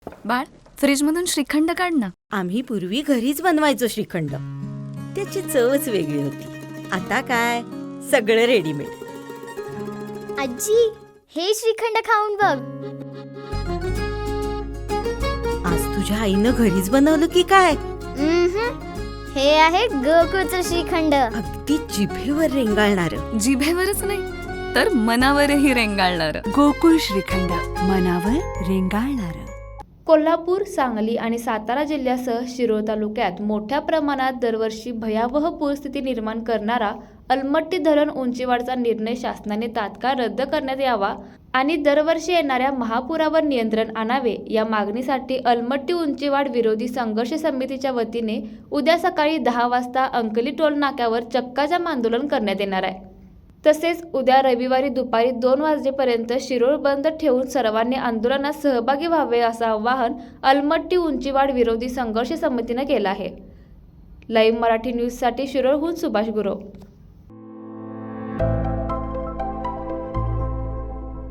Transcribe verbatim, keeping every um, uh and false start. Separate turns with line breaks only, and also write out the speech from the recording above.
बाळ, फ्रीजमधून श्रीखंड काढ ना.
आम्ही पूर्वी घरीच बनवायचो श्रीखंड. त्याची चवच वेगळी होती. आता काय सगळं रेडीमेड.
आजी, हे श्रीखंड खाऊन बघ.
आज तुझ्या आईनं घरीच बनवलं की काय?
उम्हम. हे आहे गोकुळचं श्रीखंड.
अगदी जिभेवर रेंगाळणार.
जिभेवरच नाही तर मनावरही रेंगाळणार.
गोकुळ श्रीखंड, मनावर रेंगाळणार.
कोल्हापूर, सांगली आणि सातारा जिल्ह्यासह शिरोळ तालुक्यात मोठ्या प्रमाणात दरवर्षी भयावह पूरस्थिती निर्माण करणारा अलमट्टी धरण उंचीवाढचा निर्णय शासनाने तात्काळ रद्द करण्यात यावा आणि दरवर्षी येणाऱ्या महापुरावर नियंत्रण आणावे या मागणीसाठी अलमट्टी उंचीवाढ विरोधी संघर्ष समितीच्या वतीने उद्या सकाळी दहा वाजता अंकली टोल नाक्यावर चक्काजाम आंदोलन करण्यात येणार आहे. तसेच उद्या रविवारी दुपारी दोन वाजेपर्यंत शिरोळ बंद ठेवून सर्वांनी आंदोलनात सहभागी व्हावे असं आवाहन अलमट्टी उंचीवाढ विरोधी संघर्ष समितीनं केलं आहे. लाईव्ह मराठी न्यूजसाठी शिरोळहून सुभाष गुरव.